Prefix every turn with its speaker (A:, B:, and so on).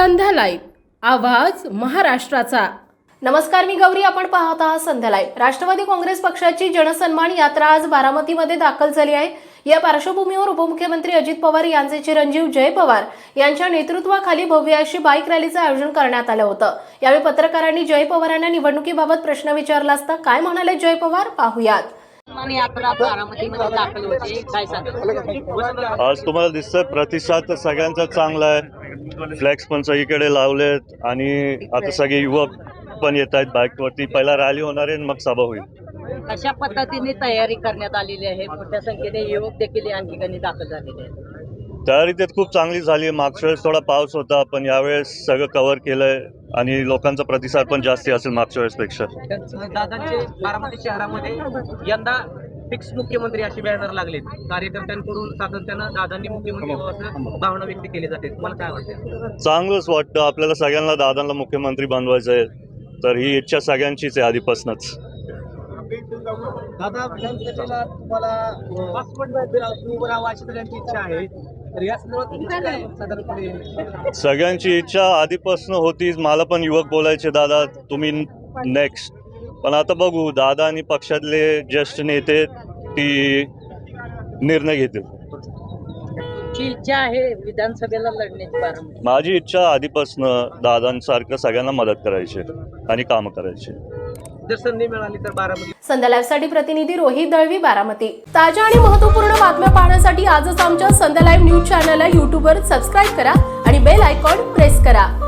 A: संध्या live, आवाज महाराष्ट्राचा। नमस्कार, मी गौरी, आपण पाहत आहात संध्या लाईव्ह। राष्ट्रवादी काँग्रेस पक्षाची जनसन्मान यात्रा आज बारामतीमध्ये दाखल झाली आहे। या पार्श्वभूमीवर उपमुख्यमंत्री अजित पवार यांचे चिरंजीव जय पवार यांच्या नेतृत्वाखाली भव्य अशी बाईक रॅलीचं आयोजन करण्यात आलं होतं। यावेळी पत्रकारांनी जय पवारांना निवडणुकीबाबत प्रश्न विचारला असता काय म्हणाले जय पवार, पाहूयात।
B: आज तुम्हाला दिसतंय प्रतिसाद तर सगळ्यांचा चांगला आहे। फ्लॅक्स पण सगळीकडे लावलेत आणि आता सगळे युवक पण येत आहेत बाईकवरती। पहिला रॅली होणार आहे, मग सभा होईल।
C: अशा पद्धतीने तयारी करण्यात आलेली आहे। मोठ्या संख्येने युवक देखील या ठिकाणी दाखल झालेले आहेत।
B: तयारी त्यात खूप चांगली झाली। मागच्या वेळेस थोडा पाऊस होता, पण यावेळेस सगळं कव्हर केलंय आणि लोकांचा प्रतिसाद पण जास्ती असेल मागच्या वेळेसपेक्षा।
D: दादांचे बारामती शहरामध्ये यंदा फिक्स मुख्यमंत्री अशी बॅनर लागलेत। कार्यकर्त्यांकडून सातत्यानं दादांनी मुख्यमंत्री व्हावं भावना व्यक्त केली जाते। तुम्हाला काय वाटतं?
B: चांगलंच वाटतं। आपल्याला सगळ्यांना दादांना मुख्यमंत्री बनवायचं आहे, तर ही इच्छा सगळ्यांचीच आहे आधीपासूनच।
D: दादा, विधानसभेला तुम्हाला उभं राहावं अशी सगळ्यांची इच्छा आहे, तर या संदर्भात काय साधारणपणे?
B: सगळ्यांची इच्छा आधीपासून होतीच। मला पण युवक बोलायचे, दादा तुम्ही नेक्स्ट, पण आता बघू, दादा आणि पक्षातले ज्येष्ठ नेते ती निर्णय घेतील।
C: तुमची इच्छा आहे विधानसभेला लढण्याची बारामती?
B: माझी इच्छा आधीपासून दादांसारखं सगळ्यांना मदत करायची आणि कामं करायची।
D: जर संधी मिळाली तर बारामती।
A: संध्या लाईव्हसाठी प्रतिनिधी रोहित दळवी, बारामती। ताज्या आणि महत्त्वपूर्ण बातम्या पाहण्यासाठी आजच आमच्या संध्या लाईव्ह न्यूज चॅनलला YouTubeवर सबस्क्राईब करा आणि बेल आयकॉन प्रेस करा।